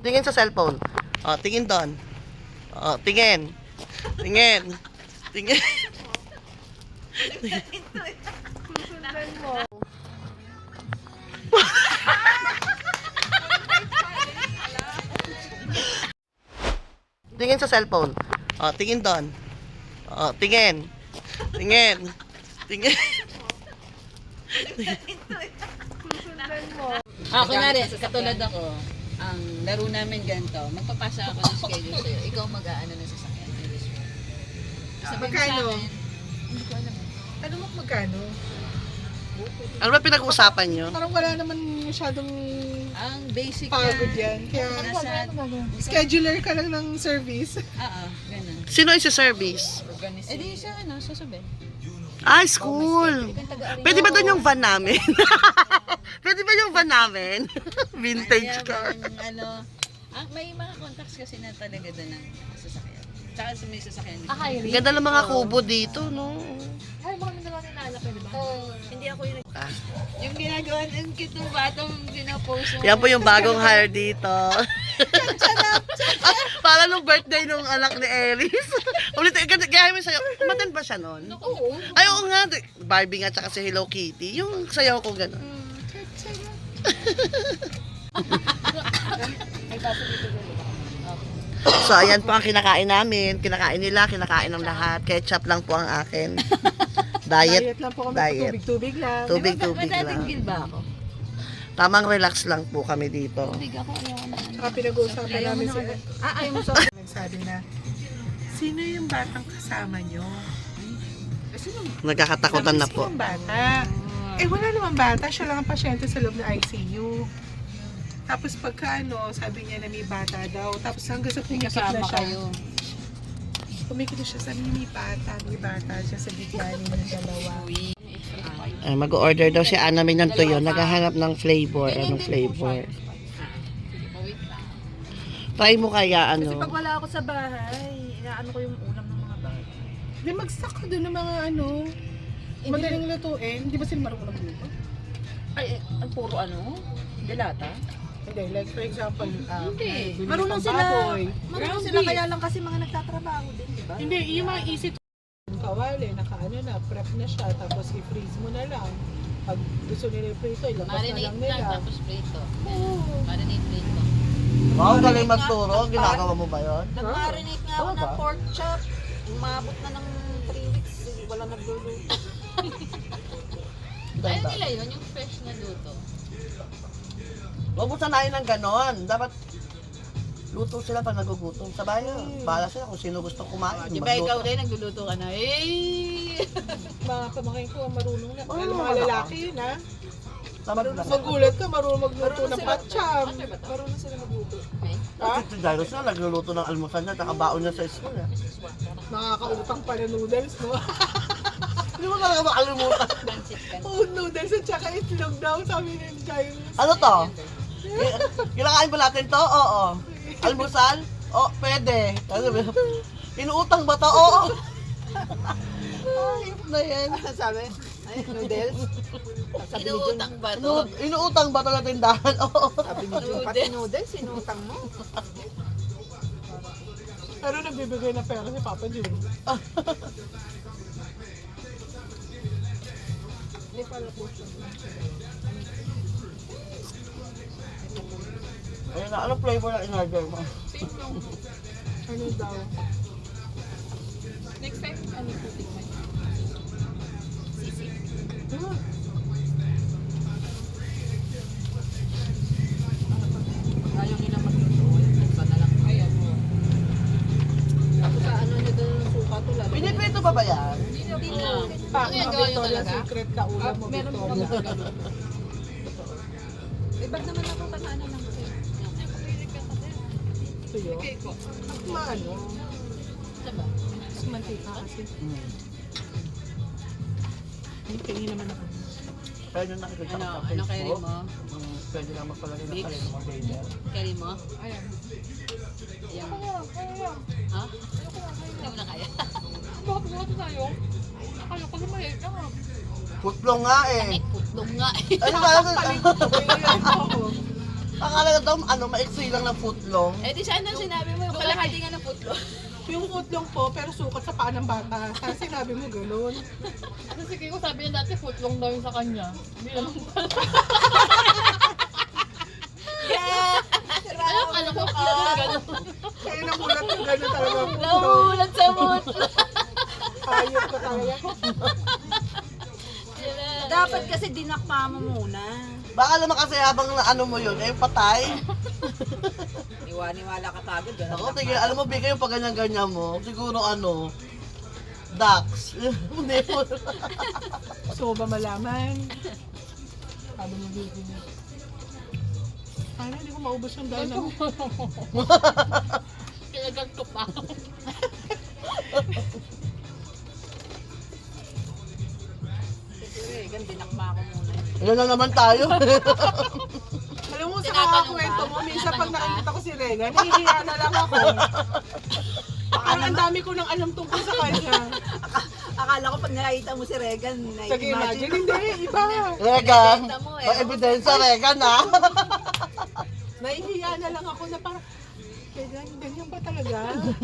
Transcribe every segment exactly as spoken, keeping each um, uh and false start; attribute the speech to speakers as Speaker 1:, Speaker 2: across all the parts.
Speaker 1: Tingin sa cellphone. Oh, tingin doon. Oh, tingin. Tingin. Tingin.
Speaker 2: Susundan mo.
Speaker 1: Tingin sa cellphone. Oh, tingin doon. Oh, tingin. Tingin. Tingin.
Speaker 2: Susundan mo.
Speaker 3: Ah, kunwari, katulad ako, ang laro namin ganito, magpapasa ako ng schedule sa'yo. Ikaw mag-aano ng sasakyan. Sabihin mo
Speaker 2: Magkano?
Speaker 3: sa akin, hindi ko alam.
Speaker 2: Ano mo magkano?
Speaker 1: Ano ba pinag-uusapan nyo?
Speaker 2: Parang wala naman masyadong
Speaker 3: Ang basic
Speaker 2: pagod
Speaker 3: yan.
Speaker 2: yan. Kaya
Speaker 3: Nasa,
Speaker 2: scheduler ka lang ng service.
Speaker 3: oo, ganun.
Speaker 1: Sino yung si service?
Speaker 3: Eh di siya, ano, sasabihin.
Speaker 1: Ah, school. Pwede ba doon yung van namin? Pwede ba yung van namin? Vintage
Speaker 3: Kaya
Speaker 1: car.
Speaker 3: bang, ano, ah, may mga contacts kasi na talaga doon ng sasakyan. Tsaka sa may sasakyan. din.
Speaker 4: Ah, hiring?
Speaker 1: Ganda ng mga kubo dito, no?
Speaker 4: Ay, baka may dalawa ninaalak eh, di ba? Hindi ako yung
Speaker 1: Ah,
Speaker 3: Yung ginagawa ng kitong batong pinapost mo.
Speaker 1: yan po yung bagong hire dito. Ah, para nung birthday nung anak ni Eris. Ulit, kaya mo sa'yo, umaten ba siya noon?
Speaker 4: Oo.
Speaker 1: Ay, oo nga. Barbie nga tsaka si Hello Kitty. Yung sayaw ko gano'n. So, ayan po ang kinakain namin. Kinakain nila, kinakain ng lahat. Ketchup lang po ang akin. Diet.
Speaker 2: Diet lang po kami.
Speaker 1: Diet.
Speaker 2: Tubig-tubig lang.
Speaker 1: Tubig-tubig lang.
Speaker 3: Matatigil ba ako?
Speaker 1: Tamang relax lang po kami dito.
Speaker 3: Tubig ako, ayaw ko na. ano.
Speaker 2: Saka pinag-uusapan
Speaker 3: Ayaw mo
Speaker 2: namin
Speaker 3: na
Speaker 2: sa...
Speaker 3: ako.
Speaker 2: Ah, ayaw mo sa... Nagsabi na, sino yung batang kasama nyo? Eh, sino?
Speaker 1: Nagkakatakutan na
Speaker 2: Sabi,
Speaker 1: po.
Speaker 2: Sino yung bata? Eh, wala naman bata. Siya lang ang pasyente sa loob ng I C U. Tapos pagka ano, sabi niya na may bata daw. Tapos hanggang sa pumikit na
Speaker 3: Kasama
Speaker 2: siya.
Speaker 3: kayo.
Speaker 2: Pumikit na siya, sabi niya may bata, may bata siya sa gitna ng dalawa.
Speaker 3: Uwi.
Speaker 1: Ay, mag-order daw si Ana May ng tuyo. Naghahanap ng flavor. Anong flavor? Try mo kaya
Speaker 4: Kasi
Speaker 1: ano.
Speaker 4: pag wala ako sa bahay, inaano ko yung ulam ng mga bata.
Speaker 2: Di mag-stock ka doon ng mga ano, madaling lutuin. Di ba sila marunong magluto?
Speaker 4: Ay, eh, ang puro ano? Delata?
Speaker 2: Hindi, like for example, ah,
Speaker 4: Hindi.
Speaker 2: bili
Speaker 4: Marunong
Speaker 2: ng
Speaker 4: sila.
Speaker 2: baboy.
Speaker 4: Marunong
Speaker 2: Ground
Speaker 4: sila
Speaker 2: beef.
Speaker 4: kaya lang kasi mga nagtatrabaho din, di ba?
Speaker 2: Hindi, yung mga easy to kawali, nakaano na, prep na siya, tapos i-freeze mo na lang. Pag gusto nila i-prito, ilabas na
Speaker 3: Marinate
Speaker 2: lang
Speaker 3: lang,
Speaker 2: nila.
Speaker 3: tapos prito.
Speaker 2: Oo.
Speaker 3: Marinate prito.
Speaker 1: Wow, galing magturo. Ginagawa mo ba yun?
Speaker 4: Nag-marinate nga ako
Speaker 1: Oo
Speaker 4: ng
Speaker 1: ba?
Speaker 4: pork chop. Umabot na ng three weeks. Wala nagluluto.
Speaker 3: Ayaw nila yun, yung fresh na luto.
Speaker 1: Huwag mo sanayin ng ganon. Dapat luto sila pag nagugutom. Sa bahay, bahala sila kung sino gusto kumain.
Speaker 3: Di ba ikaw
Speaker 1: magluto.
Speaker 3: rin, nagluluto ka na, eh!
Speaker 2: Mga kamakain ko, marunong na.
Speaker 1: Oo,
Speaker 2: Lalo mga
Speaker 1: wala.
Speaker 2: lalaki yun, ha?
Speaker 1: Tama ba?
Speaker 2: Magulat ka, marunong magluto ng patsyam.
Speaker 4: Marunong sila magluto.
Speaker 3: Okay.
Speaker 2: Ha?
Speaker 1: Si Jairus na, nagluluto ng almusal niya, tsaka baon niya sa school. Eh.
Speaker 2: Nakakautang pa na noodles, no?
Speaker 1: Hindi mo talaga makalimutan.
Speaker 3: Pansit ka.
Speaker 2: Oo, noodles at saka itlog daw, sabi ni Jairus.
Speaker 1: Ano to? Ki- Kinakain ba natin to? Oo. Almusal? Oo, pwede. Ano ba? Inuutang ba to? Oo. Ayop na yan.
Speaker 4: Sabi? Ay, noodles? Sabi ni Jun,
Speaker 3: Inuutang ba to?
Speaker 1: Inu- inuutang ba to na tindahan? Oo.
Speaker 4: sabi ni Jun, pati noodles, sinutang mo.
Speaker 2: Pero nagbibigay ng pera si Papa Jun.
Speaker 4: Hindi pala po siya.
Speaker 1: Ayun na, anong flavor na in-order mo?
Speaker 2: Ano daw?
Speaker 4: Next time, ano po tingnan?
Speaker 2: Hmm.
Speaker 4: Ayaw nila magluto. Iba na lang. Ayan mo. Tapos sa ano nyo doon ng suka to lalo.
Speaker 1: Piniprito ba ba yan?
Speaker 4: Hindi na.
Speaker 2: Pa,
Speaker 3: Ano yan,
Speaker 2: mga
Speaker 3: gawa nyo
Speaker 2: Victoria's
Speaker 3: talaga?
Speaker 2: Secret ka ulam mo,
Speaker 4: Ah, meron po
Speaker 2: Victoria.
Speaker 4: Eh, ba't naman ako kanaano ng cake?
Speaker 2: Ito yun. At maano,
Speaker 3: Diba?
Speaker 2: mas mantika kasi.
Speaker 1: Hmm.
Speaker 2: Ay, tingin naman ako.
Speaker 1: Pwede na nakikita
Speaker 3: Ano,
Speaker 1: ko sa
Speaker 3: ano
Speaker 1: Facebook.
Speaker 3: carry mo?
Speaker 1: Hmm, Pwede na magpalagay ng
Speaker 3: Big?
Speaker 1: carry mo, baby.
Speaker 3: Carry mo?
Speaker 4: Ayan.
Speaker 3: Ayan.
Speaker 4: Kaya,
Speaker 3: Ha? Hindi mo na kaya.
Speaker 4: bakit mo ito tayo? Akala ko naman eh. Ah,
Speaker 1: Putlong nga eh.
Speaker 3: Ay, putlong nga eh.
Speaker 1: Ano ba? Akala ko daw, ano, maiksi lang ng footlong.
Speaker 3: Eh di sana sinabi mo yung kalahati nga ng putlo.
Speaker 2: Yung footlong po, pero sukat sa paa ng bata. Sana sinabi mo ganun.
Speaker 4: Kasi kaya ko sabi niya dati footlong daw yung sa kanya. Hindi naman pala. Ano kala ko gano'n.
Speaker 2: Kaya namulat yung gano'n talaga ang footlong.
Speaker 3: Nahulat sa putlo.
Speaker 2: Ayot ko talaga.
Speaker 3: Dapat kasi dinakma mo muna.
Speaker 1: Baka naman kasi habang na ano mo yun, eh patay.
Speaker 3: Iwaniwala ka tagod.
Speaker 1: Ako, tingin, alam mo, bigay yung pag ganyan-ganyan mo, siguro ano, ducks. Hindi mo.
Speaker 2: Gusto mo ba malaman? Sabi mo bibili. Sana hindi ko maubos yung dahil namin.
Speaker 4: Kinagat ko pa.
Speaker 3: Siguro eh, gan dinakma ko muna.
Speaker 1: Yan na naman tayo.
Speaker 2: Alam mo, sa
Speaker 3: Tinatanong
Speaker 2: kakakwento
Speaker 3: ka?
Speaker 2: mo, minsan pag
Speaker 3: Tinatanong ka?
Speaker 2: nakikita ko si Rega, nahihiya na lang ako. Parang ang dami ko nang alam tungkol sa kanya.
Speaker 3: Akala ko pag nakita mo si Regan,
Speaker 2: Sige, imagine, hindi, iba.
Speaker 1: Regan,
Speaker 3: Ebidensya mo eh.
Speaker 1: may ebidensya, Regan, ha?
Speaker 2: Nahihiya na lang ako na parang, Rega, ganyan ba talaga?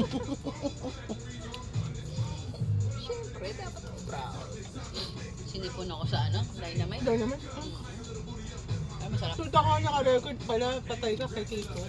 Speaker 3: Siyempre, dapat proud. Sinipon ako sa ano, dynamite.
Speaker 2: Hindi naman.
Speaker 3: Ay, masarap.
Speaker 2: Tulta ka naka-record pala, patay ka kay Tito.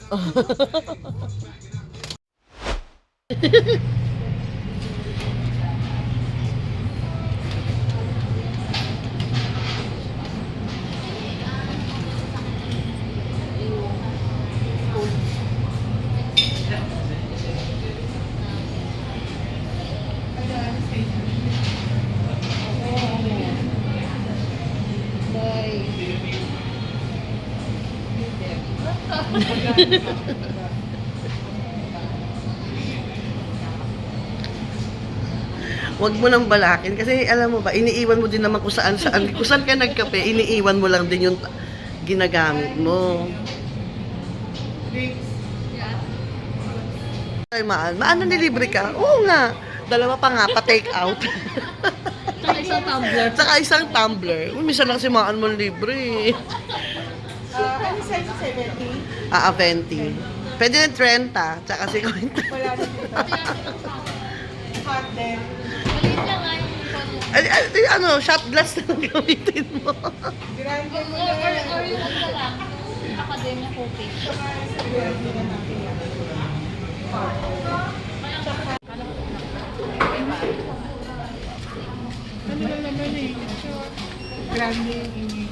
Speaker 1: Huwag mo nang balakin kasi alam mo ba, iniiwan mo din naman kung saan saan. Kung saan ka nagkape, iniiwan mo lang din yung ginagamit mo. Ay, maan. Maan na nilibre ka? Oo nga. Dalawa pa nga, pa-take out.
Speaker 4: Tsaka isang tumbler.
Speaker 1: Saka isang tumbler. Uy, minsan lang si Maan mo libre.
Speaker 2: Ah, ano size seventy?
Speaker 1: Ah, twenty. Pwede na thirty, tsaka fifty.
Speaker 2: Wala na dito. Hot din.
Speaker 4: Maliit lang nga yung
Speaker 1: Ay, ay, ano, shot glass na lang gamitin mo.
Speaker 2: Grande mo
Speaker 4: Or, or,
Speaker 2: na.
Speaker 4: or yung ano na lang, yung academia cooking.
Speaker 2: Grande na natin yan. Ano lang naman eh. Grande yung ini.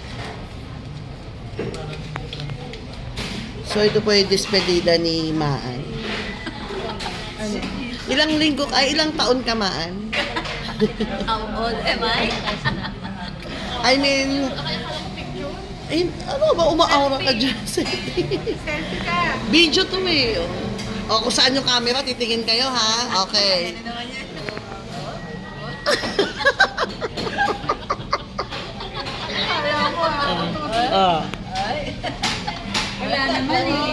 Speaker 1: So, ito po yung despedida ni Maan.
Speaker 2: Ano?
Speaker 1: Ilang linggo, ay ilang taon ka, Maan?
Speaker 3: How old am I?
Speaker 1: I mean, ay, ano ba, umaaura ka dyan?
Speaker 2: Selfie ka.
Speaker 1: Video to eh. O, kung saan yung camera, titingin kayo, ha? Okay.
Speaker 3: Ano naman yan?
Speaker 2: Kaya mo ah.
Speaker 1: Ah.
Speaker 3: Wala naman eh.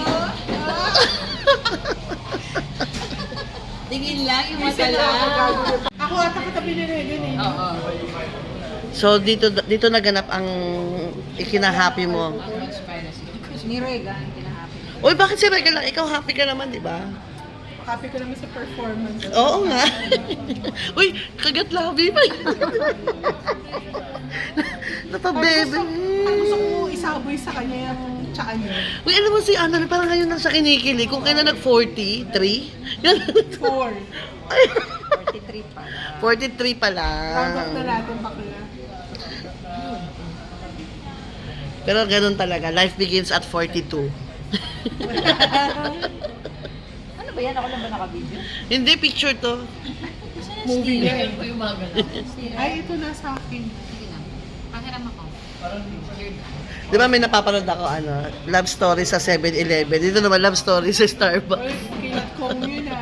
Speaker 3: Tingin lang yung mata lang.
Speaker 2: Ako ata katabi ni Regan eh.
Speaker 3: Oo.
Speaker 1: So, dito dito naganap ang ikinahappy mo.
Speaker 3: Ni Regan, kinahappy.
Speaker 1: Uy, bakit si Regal lang? Ikaw happy ka naman, di ba?
Speaker 2: Happy ko naman sa performance.
Speaker 1: Oo nga. Uy, kagat labi pa. Napabebe.
Speaker 2: Parang gusto ko isaboy sa kanya yung tsaka niya.
Speaker 1: Uy, alam mo si Ana, parang ngayon lang siya kinikilig. Kung kailan nag-forty-three. Yan.
Speaker 2: Four.
Speaker 3: forty-three pa.
Speaker 1: forty-three pa
Speaker 2: Round off na
Speaker 1: lang.
Speaker 2: natin bakla.
Speaker 1: Pero ganun talaga. Life begins at forty-two.
Speaker 3: Ano ba yan? Ako lang ba naka-video?
Speaker 1: Hindi, picture to.
Speaker 2: Movie niya eh.
Speaker 4: Ito yung mga ganun.
Speaker 2: Ay, ito na sa akin.
Speaker 3: Sige na. Pahiram ako.
Speaker 1: Di ba may napapanood ako, ano, love story sa seven eleven. Dito naman love story sa Starbucks.
Speaker 2: Ay, kilat kong yun ah.